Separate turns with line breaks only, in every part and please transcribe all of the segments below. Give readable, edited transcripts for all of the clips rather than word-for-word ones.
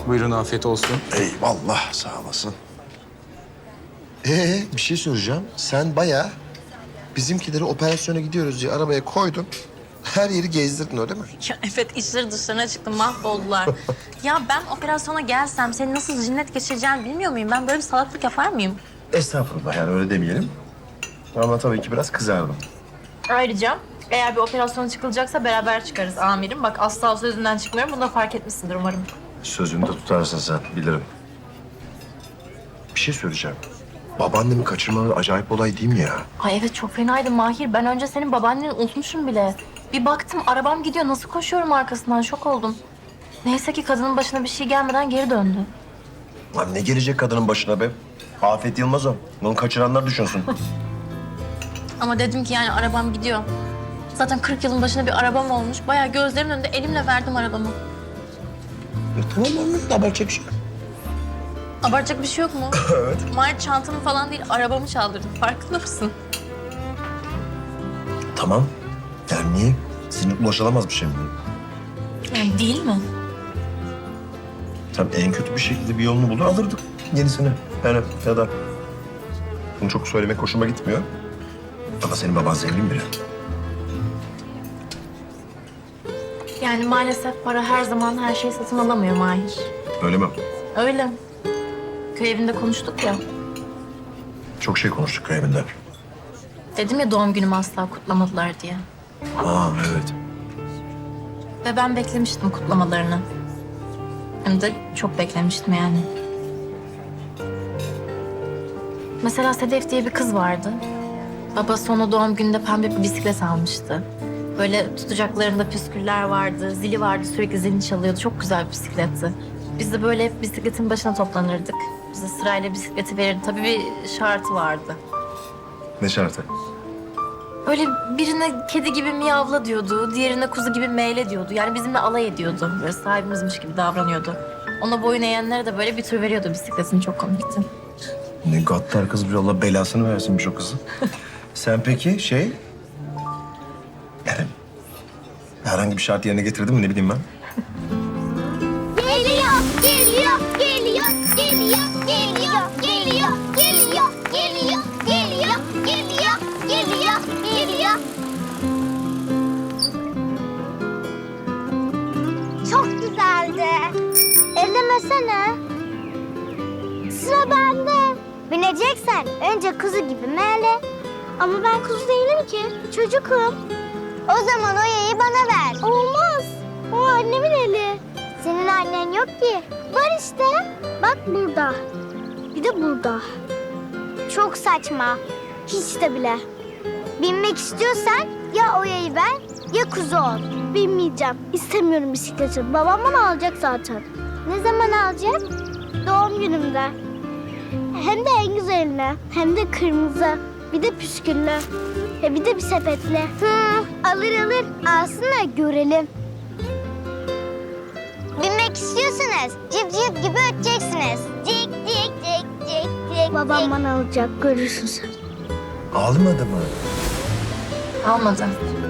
Buyurun, afiyet olsun.
Eyvallah, sağ olasın. Bir şey soracağım. Sen bayağı bizimkileri operasyona gidiyoruz diye arabaya koydun. Her yeri gezdirdin öyle mi?
Ya evet, işleri dışlarına çıktı, mahvoldular. Ya ben operasyona gelsem seni nasıl cinnet geçireceğimi bilmiyor muyum? Ben böyle bir salaklık yapar mıyım?
Estağfurullah, yani öyle demeyelim. Ama tabii ki biraz kızardım.
Ayrıca eğer bir operasyona çıkılacaksa beraber çıkarız amirim. Bak asla sözünden çıkmıyorum. Bunu da fark etmişsindir umarım.
Sözünü de tutarsın sen, bilirim. Bir şey söyleyeceğim. Babaannemi kaçırmaları acayip olay değil mi ya?
Ay evet, çok fenaydı Mahir. Ben önce senin babaanneni unutmuşum bile. Bir baktım arabam gidiyor. Nasıl koşuyorum arkasından, şok oldum. Neyse ki kadının başına bir şey gelmeden geri döndü.
Lan ne gelecek kadının başına be? Afet Yılmaz o. Onu kaçıranlar düşünsün.
Ama dedim ki yani arabam gidiyor. Zaten 40 yılın başında bir arabam olmuş. Bayağı gözlerimin önünde elimle verdim arabamı.
Tamam anladım, abartacak bir şey yok.
Abartacak bir şey yok mu?
Evet.
Mahir çantamı falan değil, arabamı çaldırdım. Farkında mısın?
Tamam. Yani niye? Sizin ulaşılamaz bir şey mi?
Yani değil mi?
Tabii en kötü bir şekilde bir yolunu bulur alırdık yenisini. Yani ya da bunu çok söylemek hoşuma gitmiyor. Ama senin baban zengin biri.
Yani maalesef para her zaman her şeyi satın alamıyor Mahir.
Öyle mi?
Öyle. Köy evinde konuştuk ya.
Çok şey konuştuk köy evinde.
Dedim ya doğum günümü asla kutlamadılar diye.
Aa evet.
Ve ben beklemiştim kutlamalarını. Hem de çok beklemiştim yani. Mesela Sedef diye bir kız vardı. Babası ona doğum gününde pembe bir bisiklet almıştı. Böyle tutacaklarında püsküller vardı, zili vardı, sürekli zilini çalıyordu. Çok güzel bir bisikletti. Biz de böyle hep bisikletin başına toplanırdık. Bize sırayla bisikleti verirdi. Tabii bir şartı vardı.
Ne şartı?
Böyle birine kedi gibi miyavla diyordu, diğerine kuzu gibi meyle diyordu. Yani bizimle alay ediyordu. Böyle sahibimizmiş gibi davranıyordu. Ona boyun eğenlere de böyle bir tür veriyordu bisikletini. Çok komikti.
Ne gaddar kız bir, Allah belasını versinmiş o kızı. Sen peki yani herhangi bir şart yerine getirdin mi, ne bileyim ben?
Geliyor, geliyor, geliyor, geliyor, geliyor, geliyor, geliyor, geliyor, geliyor, geliyor, geliyor, geliyor. Çok güzeldi. Ellemesene. Sıra bende. Bineceksen önce kuzu gibi meğle. Ama ben kuzu değilim ki. Çocukum. O zaman o yayı bana ver. Olmaz. O annemin eli. Senin annen yok ki. Var işte. Bak burada. Bir de burada. Çok saçma. Hiç de bile. Binmek istiyorsan ya o yayı ver ya kuzu ol. Binmeyeceğim. İstemiyorum bisikleti. Babam bana alacak zaten. Ne zaman alacak? Doğum günümde. Hem de en güzeline. Hem de kırmızı. Bir de püsküllü. Bir de bir sepetli. Alır alır. Alsın da görelim. Binmek istiyorsanız cip cip gibi öteceksiniz. Cik cik cik cik cik. Babam bana alacak, görürsün sen.
Almadı mı?
Almadı.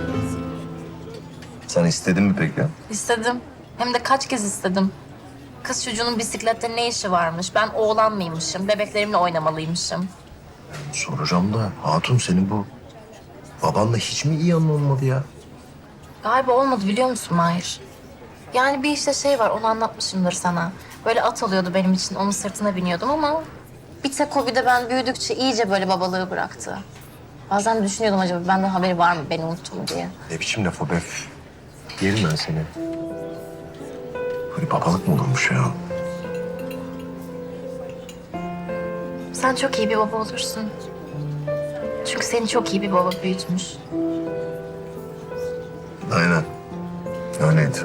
Sen istedin mi peki?
İstedim. Hem de kaç kez istedim. Kız çocuğunun bisiklette ne işi varmış? Ben oğlan mıymışım? Bebeklerimle oynamalıymışım.
Soracağım da hatun, senin bu babanla hiç mi iyi anlaşılmadı ya?
Galiba olmadı, biliyor musun Mahir? Yani bir işte şey var, onu anlatmışımdır sana. Böyle at alıyordu benim için, onun sırtına biniyordum ama... Bir tek o, bir de ben büyüdükçe iyice böyle babalığı bıraktı. Bazen düşünüyordum, acaba benden haberi var mı beni unuttu mu diye.
Ne biçim laf o be? Yerim ben seni. Böyle babalık mı olurmuş ya?
Sen çok iyi bir baba olursun. Çünkü seni çok iyi bir baba büyütmüş.
Aynen. Öyleydi.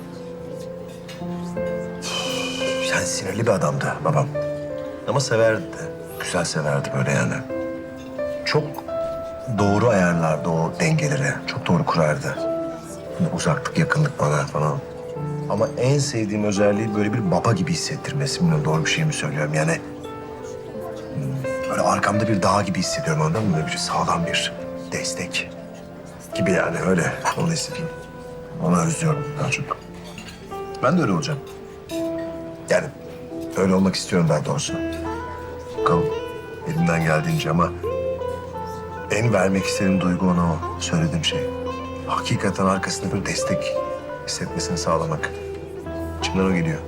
Yani sinirli bir adamdı babam. Ama severdi de. Güzel severdi böyle yani. Çok doğru ayarlardı o dengeleri. Çok doğru kurardı. Hani uzaklık, yakınlık bana falan. Ama en sevdiğim özelliği böyle bir baba gibi hissettirmesi. Bilmiyorum doğru bir şey mi söylüyorum yani. Böyle arkamda bir dağ gibi hissediyorum, anladın mı? Böyle bir sağlam bir destek gibi yani, öyle. Onu hissediyorum. Onu özlüyorum daha çok. Ben de öyle olacağım. Yani öyle olmak istiyorum daha doğrusu. Bakalım elimden geldiğince ama en vermek istediğim duygu ona o söylediğim şey. Hakikaten arkasında bir destek hissetmesini sağlamak. İçimden o geliyor.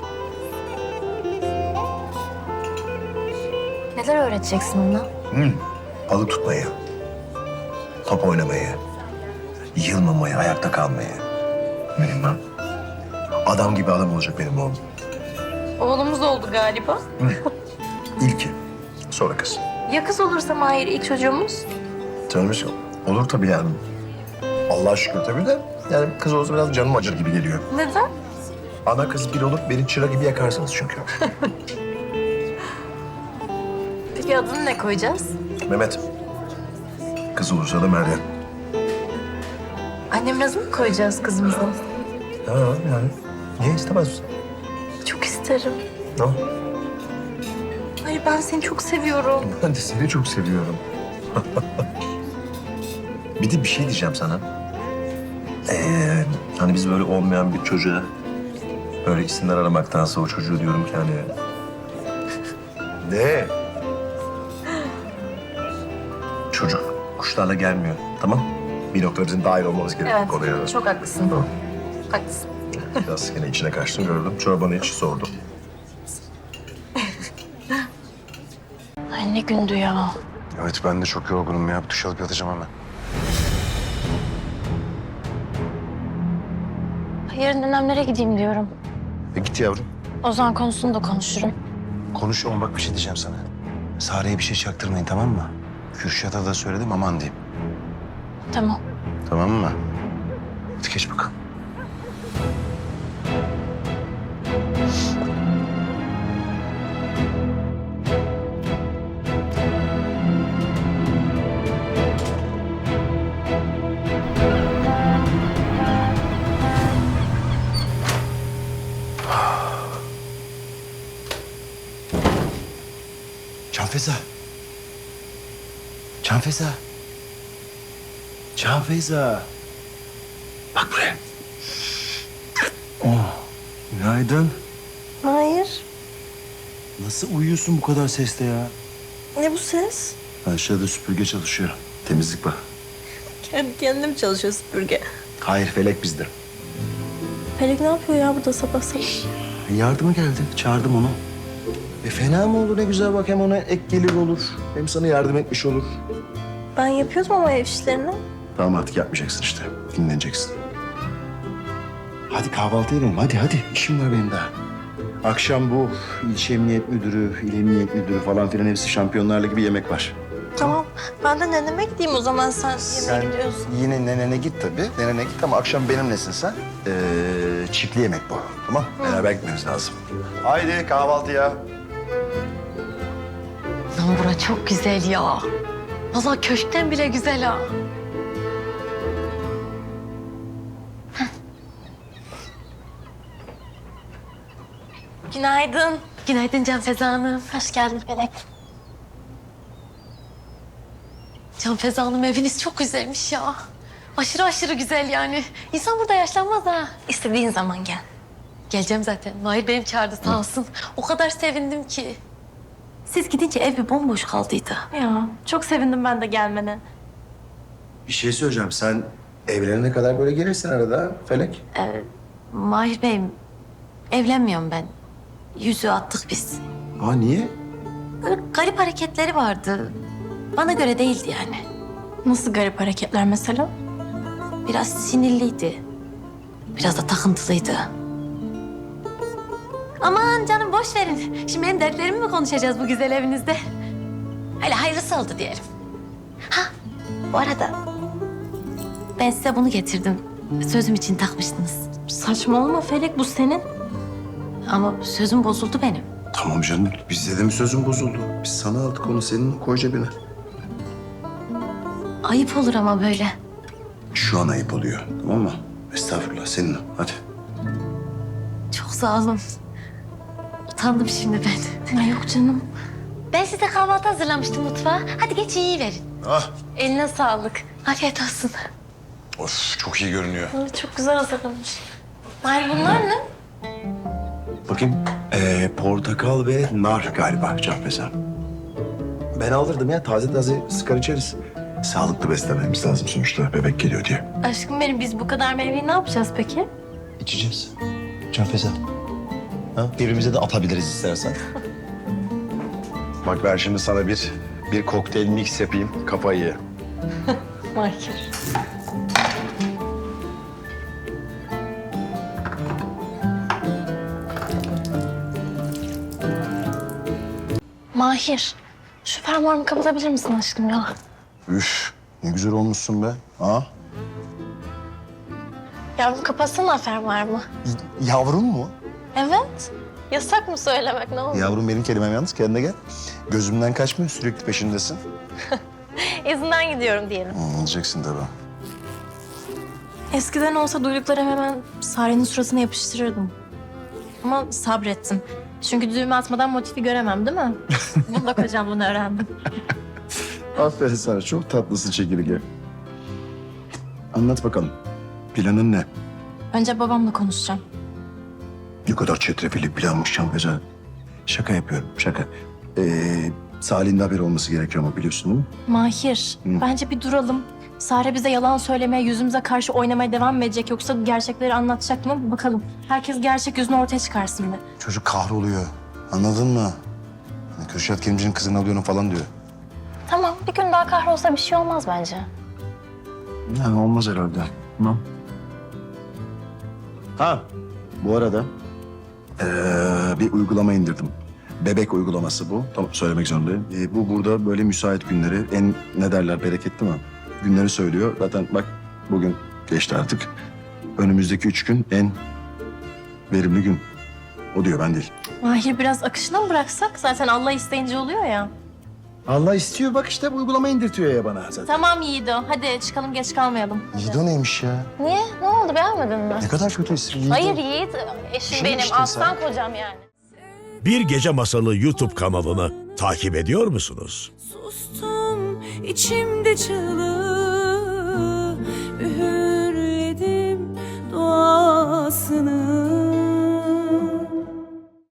Neler öğreteceksin ona?
Balık tutmayı, top oynamayı, yılmamayı, ayakta kalmayı. Bilmem. Adam gibi adam olacak benim oğlum.
Oğlumuz oldu galiba.
İlki, sonra kız.
Ya kız olursa Mahir ilk çocuğumuz?
Canım hiç olur tabii yani. Allah'a şükür tabii de yani kız olursa biraz canım acır gibi geliyor.
Neden?
Ana kız bir olup beni çıra gibi yakarsınız çünkü.
Peki adını ne koyacağız?
Mehmet. Kız olursa da Meryem.
Annemin adını mı koyacağız kızımıza?
Ha yani. Niye istemez misin?
Çok isterim.
Ne?
Hayır ben seni çok seviyorum.
Ben de seni çok seviyorum. Bir de bir şey diyeceğim sana. Hani biz böyle olmayan bir çocuğa böyle isimler aramaktansa o çocuğu diyorum ki hani... Ne? Çocuk kuşlarla gelmiyor, tamam? Bir noktada bizim dahil olmamız gerekiyor
Evet,
konuya.
çok haklısın.
Tamam.
Haklısın.
Biraz yine içine kaçtım gördüm. Çorbanı iç sordum.
Ay ne gündü ya.
Evet ben de çok yorgunum ya. Bir duş alıp yatacağım hemen.
Yarın dönemlere gideyim diyorum.
Git yavrum.
Ozan konusunu da konuşurum.
Konuş ama bak bir şey diyeceğim sana. Sare'ye bir şey çaktırmayın tamam mı? Kürşat'a da söyledim aman diyeyim.
Tamam.
Tamam mı? Hadi geç bakalım. Canfeza. Canfeza. Canfeza. Bak buraya. Oh, günaydın.
Hayır.
Nasıl uyuyorsun bu kadar seste ya?
Ne bu ses?
Aşağıda süpürge çalışıyor. Temizlik bak.
Kendi kendine mi çalışıyor süpürge?
Hayır, Felek bizde.
Pelek ne yapıyor ya burada sabah sabah?
Yardıma geldi. Çağırdım onu. Fena mı olur ne güzel bak hem ona ek gelir olur. Hem sana yardım etmiş olur.
Ben yapıyordum ama ev işlerini.
Tamam artık yapmayacaksın işte. Dinleneceksin. Hadi kahvaltı edelim. Hadi. İşim var benim daha. Akşam bu ilçe emniyet müdürü, il emniyet müdürü falan filan hepsi Şampiyonlar Ligi bir yemek var.
Tamam. Ben de neneme gideyim o zaman sen
Sen
yemeğe gidiyorsun.
yine nenene git tabii. Nenene git ama akşam benimlesin sen. Çiftli yemek bu. Tamam? Beraber gitmemiz lazım. Haydi kahvaltıya.
Lan bura çok güzel ya. Vallahi köşkten bile güzel ha. Günaydın. Günaydın Canfeza Hanım.
Hoş geldin Pelek.
Canfeza Hanım eviniz çok güzelmiş ya. Aşırı aşırı güzel yani. İnsan burada yaşlanmaz ha.
İstediğin zaman gel.
Geleceğim zaten. Mahir benim çağırdı sağ olsun. O kadar sevindim ki. Siz gidince ev bir bomboş kaldıydı.
Ya çok sevindim ben de gelmene.
Bir şey söyleyeceğim. Sen evlenene kadar böyle gelirsin arada Felek.
Mahir Bey'im evlenmiyorum ben. Yüzüğü attık biz.
Aa niye?
Böyle garip hareketleri vardı. Bana göre değildi yani.
Nasıl garip hareketler mesela?
Biraz sinirliydi. Biraz da takıntılıydı. Aman canım boş verin. Şimdi benim dertlerimi mi konuşacağız bu güzel evinizde? Öyle hayırlısı oldu diyelim. Ha bu arada ben size bunu getirdim. Sözüm için takmıştınız.
Saçmalama Felek bu senin.
Ama sözüm bozuldu benim.
Tamam canım. Bizde de mi sözün bozuldu? Biz sana aldık onu senin koy cebine.
Ayıp olur ama böyle.
Şu an ayıp oluyor. Tamam mı? Estağfurullah senin o. Hadi.
Çok sağ olun. Utandım şimdi ben.
Ay yok canım.
Ben size kahvaltı hazırlamıştım mutfağa. Hadi geç yiyiverin.
Ah.
Eline sağlık. Afiyet olsun.
Of çok iyi görünüyor.
Ay, çok güzel hazırlamış.
Mahir bunlar ne?
Bakayım. Portakal ve nar galiba Canfeza. Ben alırdım ya, taze taze sıkar içeriz. Sağlıklı beslenmemiz lazım sonuçta, bebek geliyor diye.
Aşkım benim, biz bu kadar meyveyi ne yapacağız peki?
İçeceğiz. Canfeza. Ha? Birbirimize de atabiliriz istersen. Bak ben şimdi sana bir kokteyl mix yapayım, kafayı ye.
Mahir. Mahir, şu fermuarımı kapatabilir misin aşkım ya?
Üf, ne güzel olmuşsun be. Ha?
Yavrum kapatsana fermuarımı.
Yavrum mu?
Evet. Yasak mı söylemek, ne olur?
Yavrum benim kelimem yalnız, kendine gel. Gözümden kaçmıyor, sürekli peşindesin.
İzinden gidiyorum diyelim.
Olacaksın tabii.
Eskiden olsa duyduklarım hemen Sare'nin suratına yapıştırırdım. Ama sabrettim. Çünkü düğme atmadan motifi göremem değil mi? Bunda kocam bunu öğrendim.
Aferin sana, çok tatlısın çekirge. Anlat bakalım, planın ne?
Önce babamla konuşacağım.
Ne kadar çetrefilli planmış Canfeza. Şaka yapıyorum, şaka. Salih'in de haberi olması gerekiyor ama biliyorsun değil mi?
Mahir, bence bir duralım. Sare bize yalan söylemeye, yüzümüze karşı oynamaya devam mı edecek yoksa gerçekleri anlatacak mı? Bakalım. Herkes gerçek yüzünü ortaya çıkarsın bir.
Çocuk kahroluyor, anladın mı? Hani Kürşat Kerimci'nin kızını alıyorum falan diyor.
Tamam, bir gün daha kahrolsa bir şey olmaz bence.
Yani olmaz herhalde. Tamam. Ha, bu arada bir uygulama indirdim. Bebek uygulaması bu. Tamam, söylemek zorundayım. Bu burada böyle müsait günleri, en ne derler, bereketli mi? Günleri söylüyor. Zaten bak bugün geçti artık. Önümüzdeki 3 gün en verimli gün. O diyor, ben değil.
Mahir, biraz akışına mı bıraksak? Zaten Allah isteyince oluyor ya.
Allah istiyor, bak işte bu uygulama indirtiyor ya bana zaten.
Tamam Yiğido, hadi çıkalım, geç kalmayalım.
Yiğido neymiş ya?
Niye? Ne oldu, beğenmedin mi?
Ne kadar kötü isim Yiğido.
Hayır Yiğit, eşim
Şunu
benim,
işte
aslan kocam yani.
Bir Gece Masalı YouTube kanalını takip ediyor musunuz?
Sustum içimde çığlık.